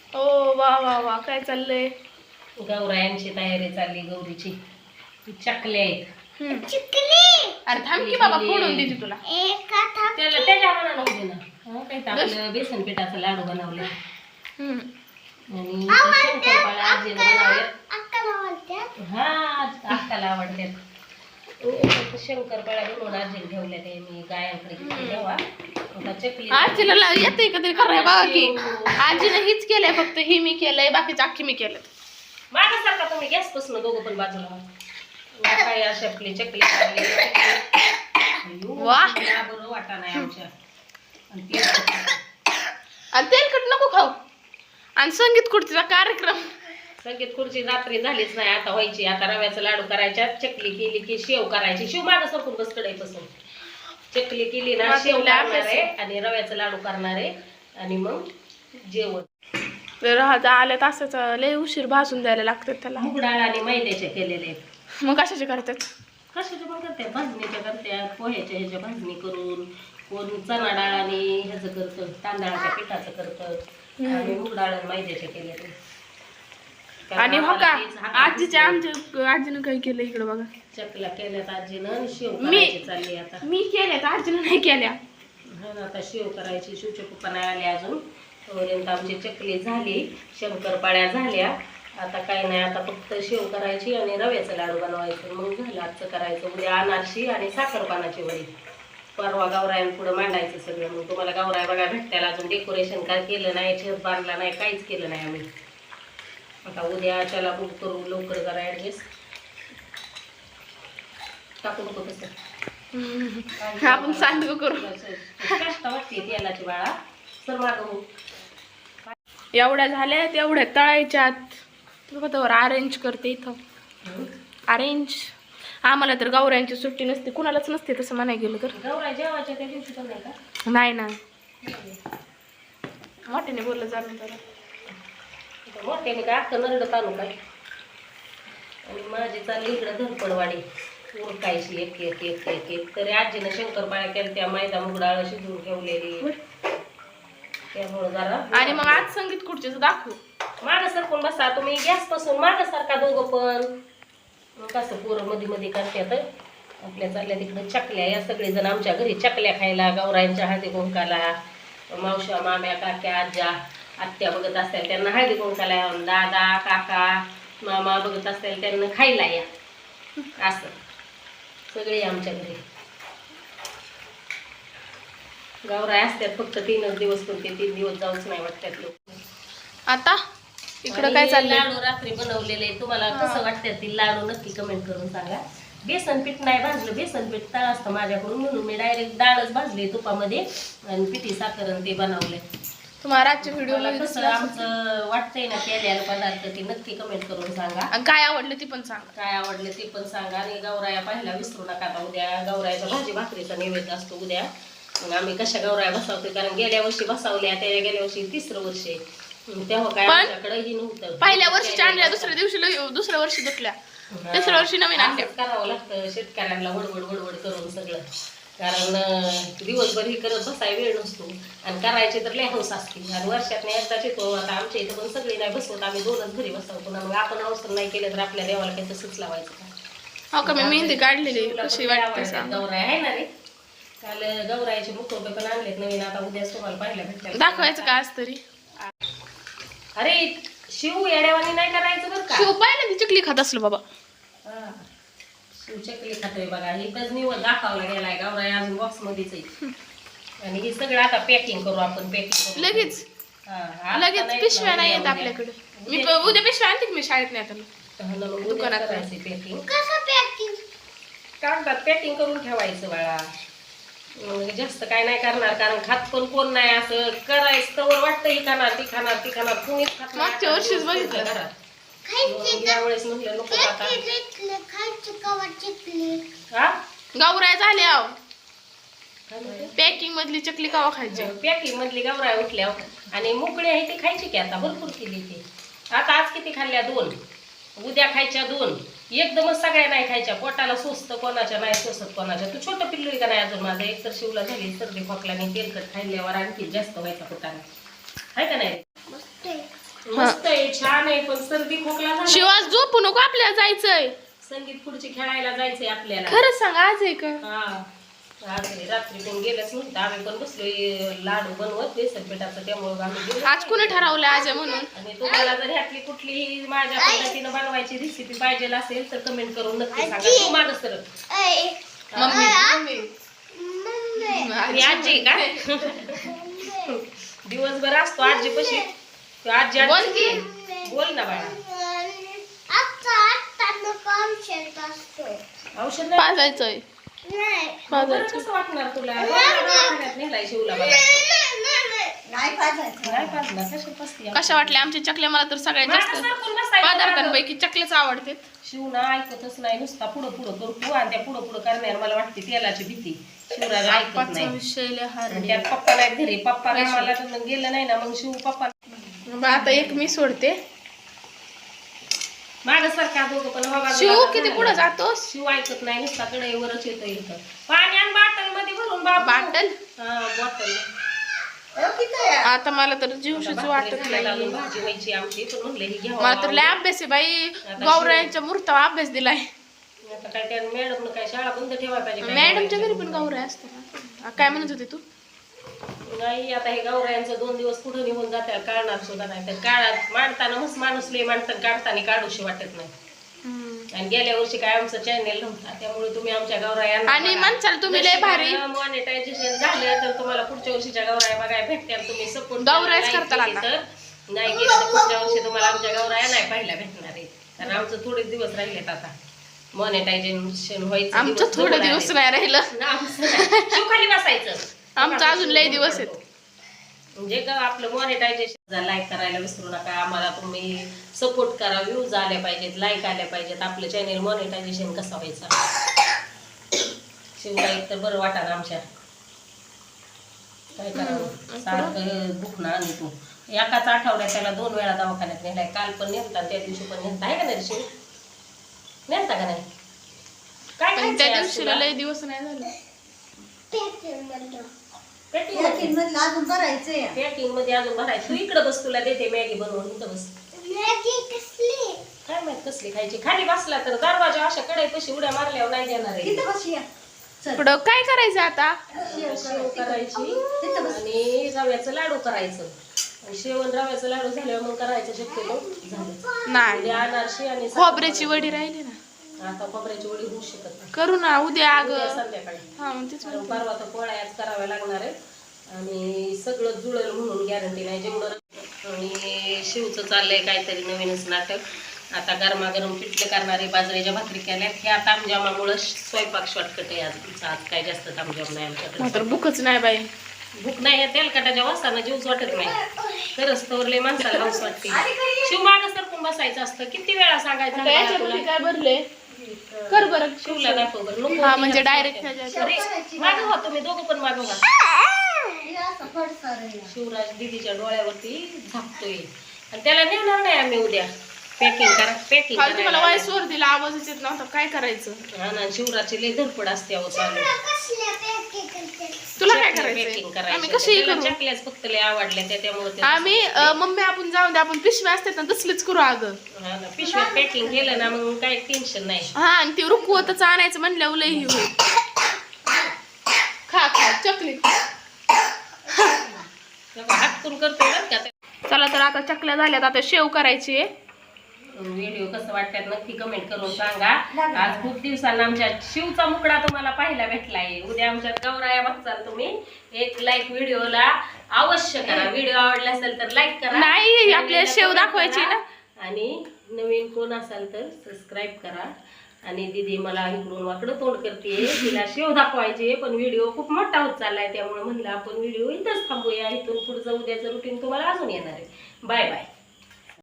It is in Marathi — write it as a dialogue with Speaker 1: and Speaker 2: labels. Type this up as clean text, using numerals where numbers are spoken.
Speaker 1: ओ वा वा वा, काय चाललंय?
Speaker 2: गौरायांची तयारी चालली, गौरीची चकले आहेत.
Speaker 1: अरे थांब की बाबा, फोडून देते तुला.
Speaker 2: त्याला त्याच्या बनवलं होते ना, काही आपलं बेसन पिठाचा लाडू बनवले आणि शंकरपाळ्या आजीने बनवल्या. हा, अक्काला आवडतात. शंकरपाळ्या बनवून आजीने ठेवल्या, ते मी गायांकडे ठेवा.
Speaker 1: आजीला येते कधी कराय बघा की, आजीने हीच केलंय, फक्त ही मी केलंय, बाकीचं अख्खी मी केलं.
Speaker 2: माझ्यासारखा तुम्ही गॅस पासून दोघं पण बाजूला काय अशा आपली चकली बरं वाटा नाही आमच्या.
Speaker 1: आणि तेलकट नको खाऊ. आणि संगीत खुर्चीचा कार्यक्रम,
Speaker 2: संगीत खुर्ची रात्री झालीच नाही, आता व्हायची. आता रव्याचा लाडू करायच्या, चकली केली की शेव करायची. शेव माझं सरकून बस कडाईपासून. चकली केली ना, शेव करणार आहे आणि रव्याचा लाडू करणार आहे आणि मग जेवण.
Speaker 1: आल्या तासाच लय उशीर भाजून द्यायला लागतात त्याला.
Speaker 2: मूग डाळ आणि मैद्याचे केलेले आहेत.
Speaker 1: मग कशाचे करतात?
Speaker 2: कशाच्या पण करतात, भाजणीच्या करतात, पोह्याच्या ह्याच्या भाजणी करून. कोण चणा डाळ आणि ह्याचं करतं, तांदळाच्या पिठाचं करतं आणि मूग डाळ आणि मैद्याचे केलेले.
Speaker 1: आणि हो का, आजीच्या आमच्या आजीनं काय केलं इकडे बघा.
Speaker 2: चकल्या केल्यात आजीनं, शेव करायची चालली आता.
Speaker 1: मी केल्यात, आजीनं नाही केल्या.
Speaker 2: आता शेव करायची. शिवच्या पप्पा नाही आले अजून, तोपर्यंत आमची चकली झाली, शंकरपाळ्या झाल्या. आता काही नाही, आता फक्त शेव करायची आणि रव्याचं लाडू बनवायचं, मग झालं आजचं करायचं. उद्या अनारशी आणि साखरपानाची वडी. परवा गौरायांपुढं मांडायचं सगळं. मग तुम्हाला गौराय बघा भेटत्याला. अजून डेकोरेशन काय केलं नाही, छेद बांधला नाही, काहीच केलं नाही आम्ही. आता उद्या त्याला बुक करू, लवकर करा ॲडजस्ट. टाकू नको तसं,
Speaker 1: आपण सांडू करू.
Speaker 2: कष्ट वाटते तेलाची बाळा. सर मागं
Speaker 1: एवढ्या झाल्या, तेवढ्या तळायच्यात. बरोबर अरेंज करते इथं. अरेंज आम्हाला तर गौरायांची सुट्टी नसते, कुणालाच नसते तसं म्हणायला गेलं तर.
Speaker 2: गौराय जेवायच्या त्या दिवशी पण नाही का?
Speaker 1: नाही ना, मोठ्याने बोललं जाणून जरा.
Speaker 2: मोठ्याने काय अख्खं नरडत आणू काय. आणि माझी चालली इकडं धरपडवाडी उरकायची एक एक एक एक एक. तरी आजीनं शंकरपाळ्या केल्या, त्या मैदा मूग डाळ शिजवून ठेवलेली, त्यामुळं जरा.
Speaker 1: आणि मग आज संगीत खुर्चीचं दाखवू.
Speaker 2: मागं सरकून बसा तुम्ही, गॅस पासून मागं सारखा दोघं पण. मग कसं पोरं मध्ये मध्ये करतात. आपल्या चालल्या तिकडं चकल्या. या सगळेजण आमच्या घरी चकल्या खायला, गौरायांच्या हळदी कुंकाला. मावश्या, माम्या, काक्या, आज्या, आत्या बघत असतील त्यांना हळदी कुंकाला, दादा, काका, मामा बघत असतील त्यांना खायला या. असं सगळे आमच्या घरी गौराय असतात. फक्त 3च दिवस, पण ते 3 दिवस जाऊच नाही वाटतात लोक.
Speaker 1: आता इकडं काय चाललंय?
Speaker 2: लाडू रात्री बनवलेले. तुम्हाला कसं वाटतं ते लाडू नक्की कमेंट करून सांगा. बेसन पीठ नाही भाजलं, बेसन पीठ तळ असतं माझ्याकडून, म्हणून मी डायरेक्ट डाळच भाजली तुपामध्ये आणि पिठी साखर ते बनवले.
Speaker 1: तुम्हाला रातच्या व्हिडिओला
Speaker 2: कसं आमचं वाटतंय ना केलेलं पदार्थ, ते नक्की कमेंट करून सांगा.
Speaker 1: आणि काय आवडलं ती पण सांगा.
Speaker 2: काय आवडलं ते पण सांगा. आणि गौराया पाहायला विसरू नका. आता उद्या गौरायाचा भाजी भाकरीचा नैवेद्य असतो उद्या. मग आम्ही कशा गौराया बसवतो, कारण गेल्या वर्षी बसवल्या, त्या गेल्या वर्षी 3रं वर्ष आहे. तेव्हा काय आमच्याकडे नव्हतं.
Speaker 1: पहिल्या वर्षी आणल्या, दुसऱ्या वर्षी दुखल्या, तिसऱ्या वर्षी नवीन आणल्या.
Speaker 2: करावं लागतं शेतकऱ्यांना, वडवड वडवड करून सगळं. कारण दिवसभर ही करत बसाय वेळ नसतो आणि करायचे तर लय हौस असते. आणि वर्षात एकदाच येतो. आता आमच्या इथं पण सगळी नाही बसवत, आम्ही 2च घरी बसवतो ना. मग आपण हौस नाही केलं तर आपल्या देवाला काही तसंच लावायचं का.
Speaker 1: हो का, मी मेहंदी काढलेली, कशी वाटते
Speaker 2: गौराय आहे ना रे. काल गौरायचे मुखवटे पण आणलेत नवीन. आता उद्याच तुम्हाला पाहायला भेटतात.
Speaker 1: दाखवायचं का आज तरी?
Speaker 2: अरे शिव येड्यावानी नाही करायचं बरं का.
Speaker 1: शिव पाहिलं ती चकली खात असलं बाबा.
Speaker 2: शिव चकली खातोय बघा. ही तर निवड दाखवला गेलाय. गौराय अजून बॉक्स मध्येच आहे. आणि हे सगळं आता पॅकिंग करू आपण. पॅकिंग
Speaker 1: लगेच पिशव्या नाही येत आपल्याकडे. मी उद्या पिशव्या आणते की मी शाळेत नाही आता दुकानात
Speaker 2: करायची पॅकिंग. कागदात पॅकिंग करून ठेवायचं बाळा. जास्त काय नाही करणार, कारण खात पण कोण नाही. असं करायचं तर वाटतं ही खाणार ती खाणार ती खाणार, कुणीच खात नाही.
Speaker 1: मागच्या वर्षीच बघितलं
Speaker 2: घरात. यावेळेस म्हटलं नको आता.
Speaker 1: गौराय झाल्या, पॅकिंग मधली चकली कवा खायची?
Speaker 2: पॅकिंग मधली गौराय उठल्या. आणि मोकळी आहे ती खायची की, आता भरपूर केली ती. आता आज किती खाल्ल्या? 2. उद्या खायच्या 2. एकदमच सगळ्या नाही खायच्या. पोटाला सोसतं कोणाच्या, नाही सोसत कोणाच्या. तू छोटं पिल्लू का नाही अजून माझं? एक तर शिवला झाली सर्दी खोकल्याने, तेलकट खाल्ल्यावर आणखी जास्त व्हायचा पोटाने, आहे का नाही? मस्त आहे, छान आहे, पण सर्दी खोकला झाला.
Speaker 1: शिवास झोपू नको, आपल्याला जायचंय.
Speaker 2: संगीत खुर्ची खेळायला जायचंय आपल्याला.
Speaker 1: खरंच सांग, आज आहे का?
Speaker 2: हा आज रात्री पण गेलंच नव्हतं. आम्ही पण बसलोय लाडू बनवत बेसन पिठाचं, त्यामुळे आम्ही गेलो.
Speaker 1: आज कुणी ठरवलं आज आहे म्हणून?
Speaker 2: आणि तुम्हाला जर ह्यातली कुठलीही माझ्या पद्धतीनं बनवायची रेसिपी पाहिजे असेल तर कमेंट करून नक्की सांगा. तू मागं सरक.
Speaker 1: मम्मी
Speaker 2: आणि आजी का दिवसभर असतो आजी पशी. आजी
Speaker 1: बोल की.
Speaker 2: बोल ना बाळा. औषध नाही
Speaker 1: पाजायचंय.
Speaker 2: बरं कसं वाटणार तुला? दवाखान्यात नेलाय शिवला मला. नाही पाजणार. कशा पसती?
Speaker 1: कशा वाटल्या आमच्या चकल्या? मला तर सगळ्यात जास्त पदार्थांपैकी चकल्याच आवडते.
Speaker 2: शिवना ऐकतच नाही, नुसता पुढं पुढं करतो आणि त्या पुढं पुढं करण्यावर मला वाटते तेलाची भीती. शिवराज ऐकत नाही. आणि त्यात पप्पा नाही घरी. पप्पा कामाला गेलं नाही ना, मग शिव पप्पा.
Speaker 1: आता एक मी सोडते.
Speaker 2: माझ्यासारखा दोघं पण हवा.
Speaker 1: शिव किती पुढे जातो?
Speaker 2: शिव ऐकत नाही, नुसता कडेवरच येतो. इथं पाणी आणि बाटल मध्ये भरून
Speaker 1: बाटल.
Speaker 2: हा बॉटल.
Speaker 1: आता मला तर जीवशीच वाटत नाही.
Speaker 2: भाजी व्हायची आमची, पण म्हणलं ही घ्यावं.
Speaker 1: मला तर लय अभ्यास आहे बाई. गौरायांच्या मूर्तावर अभ्यास दिलाय.
Speaker 2: आता काय त्या मॅडम काय शाळा बंद ठेवायला पाहिजे?
Speaker 1: मॅडमच्या घरी पण गौराय असतात. काय म्हणत होते तू?
Speaker 2: नाही आता हे गौरायांचं 2 दिवस पुढे निघून जाते, काढणार सुद्धा नाही. तर काढात मांडताना मस्त माणूस लय मांडतात, काढताना काढूशी वाटत नाही. आणि गेल्या वर्षी काय आमचं चॅनेल नव्हता, त्यामुळे तुम्ही आमच्या गौराया
Speaker 1: आणि म्हणसाल तुम्ही लय भारी
Speaker 2: मॉनिटायझेशन झालं तर तुम्हाला पुढच्या वर्षीच्या गौराया बघायला भेटतील. तुम्ही सपोर्ट
Speaker 1: गौरायच करताल आता.
Speaker 2: तर नाही गेलं तर पुढच्या वर्षी तुम्हाला आमच्या गौराया नाही पाहायला भेटणार आहे. कारण आमचं थोडे दिवस राहिलेत आता मॉनिटायझेशन व्हायचं.
Speaker 1: आमचं थोडे दिवस नाही राहिलं.
Speaker 2: खाली बसायचं.
Speaker 1: आमचं अजून लय दिवस आहेत.
Speaker 2: म्हणजे आपलं मॉनिटायझेशन लाईक करायला विसरू नका. आम्हाला तुम्ही सपोर्ट करा. व्ह्यूज आल्या पाहिजेत, लाईक आल्या पाहिजेत. आपलं चॅनेल मॉनिटायझेशन कसा व्हायचा? शिवला एक तर बरं वाटा आमच्या. काय करावं, सारखं दुखणं. आणि तू एकाच आठवड्यात त्याला 2 वेळा दवाखान्यात नेलाय. काल पण नेलता, त्या दिवशी पण नेलता. आहे का नाही शिव? नेलता का नाही? काय
Speaker 1: त्या दिवशीला लय दिवस नाही झाले.
Speaker 2: पॅकिंग मध्ये अजून भरायचं. तू इकडे बस, तुला देते मॅगी बनवून. इथं बस. काय माहित कसली खायची? खाली बसला तर दरवाजा अशा कडे कशी उड्या मारल्यावर नाही देणार आहे.
Speaker 1: पुढं काय करायचं आता?
Speaker 2: शेव करायची आणि रव्याचं लाडू करायचं. शेवण रव्याचं लाडू झाल्यावर मग करायचं शक्यतो झालं
Speaker 1: नाही.
Speaker 2: अनारशी आणि
Speaker 1: खोबऱ्याची वडी राहिली ना.
Speaker 2: आता खोबऱ्याची वडी होऊ शकत नाही.
Speaker 1: करू ना उद्या.
Speaker 2: संध्याकाळी.
Speaker 1: हा मग तेच म्हणते.
Speaker 2: परवा तर पोळ्याच कराव्या लागणार आहे. आणि सगळं जुळेल म्हणून गॅरंटी नाही. जेवढं. आणि शिवचं चाललंय काहीतरी नवीनच नाटक. आता गरमागरम पिठले करणारे बाजरीच्या भाकरी केल्यात. ह्या तामजामामुळं स्वयंपाक शॉर्टकट आहे आज. आज काय जास्त तामजाम नाही आमच्याकडे.
Speaker 1: तर भूकच नाही बाई.
Speaker 2: भूक नाही. तेलकटाच्या वासानं जीवच वाटत नाही. खरंच तोरले माणसाला हौस वाटते. शिव मागं सरकून बसायचं असतं. किती वेळा सांगायचं
Speaker 1: काय भरले? कर बरं.
Speaker 2: शिवला दाखव बरं. नको
Speaker 1: हा म्हणजे डायरेक्ट
Speaker 2: मागं व्हा तुम्ही दोघं पण मागं व्हा. शिवराज दीदीच्या डोळ्यावरती झापतोय आणि त्याला नेणार नाही आम्ही उद्या. पॅकिंग करा. पॅकिंग
Speaker 1: तुम्हाला वायसवर दिला, आवाजच येत नव्हता. काय करायचं?
Speaker 2: हा ना, शिवराची लय धडपड असते. अहो चालू
Speaker 1: तुला काय करायचं?
Speaker 2: पॅकिंग करायचं.
Speaker 1: आम्ही कशी करू?
Speaker 2: चकल्याच फक्त लय आवडल्या त्यामुळे
Speaker 1: आम्ही मम्मी आपण जाऊन दे, आपण पिशव्या असतात ना तसलीच करू अगं.
Speaker 2: हा ना, पिशवीत पॅकिंग केलं ना मग काही टेन्शन नाही.
Speaker 1: हा आणि ते रुकवतच आणायचं म्हणल्यावर लय ही होईल. खा खा चकली.
Speaker 2: हातकून करतोय बरं का.
Speaker 1: चला तर आता चकल्या झाल्यात. आता शेव करायची आहे.
Speaker 2: व्हिडिओ कसं वाटतात नक्की कमेंट करून सांगा. आज खूप दिवसांना आमच्या शिवचा मुकडा तुम्हाला पाहायला भेटलाय. उद्या आमच्यात गौराया बघताल तुम्ही. एक लाईक व्हिडिओला अवश्य करा. व्हिडिओ आवडला असेल तर लाईक करा.
Speaker 1: नाही आपल्या शेव दाखवायची ना.
Speaker 2: आणि नवीन कोण असाल तर सबस्क्राईब करा. आणि दीदी मला इकडून वाकडं तोंड करते. तिला शेव दाखवायची पण व्हिडिओ खूप मोठा होत चाललाय. त्यामुळे म्हणलं आपण व्हिडिओ इथंच थांबूया. इथून पुढचं उद्याचं रुटीन तुम्हाला अजून येणार आहे. Bye bye.